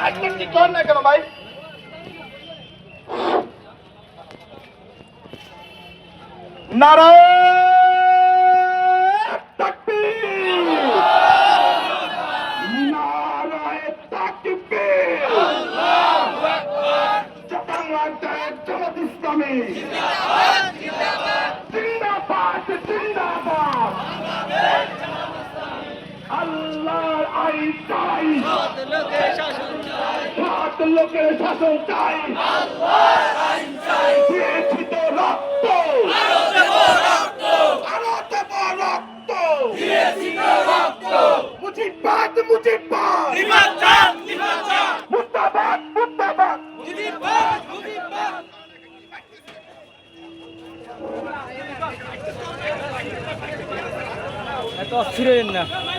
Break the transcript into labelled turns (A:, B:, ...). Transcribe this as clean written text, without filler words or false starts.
A: কি কর না কেন ভাই? নারায়ণ তাকবীর, নারায়ণ তাকবীর, আল্লাহু আকবার। বাংলাদেশ জামাত ইসলামী জিন্দাবাদ, জিন্দাবাদ, জিন্দাবাদ, জিন্দাবাদ। আল্লাহর আইন চাই, সৎ লোকের শাসন চাই, সৎ লোকের শাসন চাই, আল্লাহর আইন চাই। দিয়েছি তো রক্ত, আরো দেব রক্ত, আরো দেব রক্ত, দিয়েছি তো রক্ত। মুজিবাদ, মুজিবাদ, জিন্দাবাদ, জিন্দাবাদ, মুর্দাবাদ, মুর্দাবাদ, মুজিবাদ, মুজিবাদ।
B: এত অস্থির হইেন না।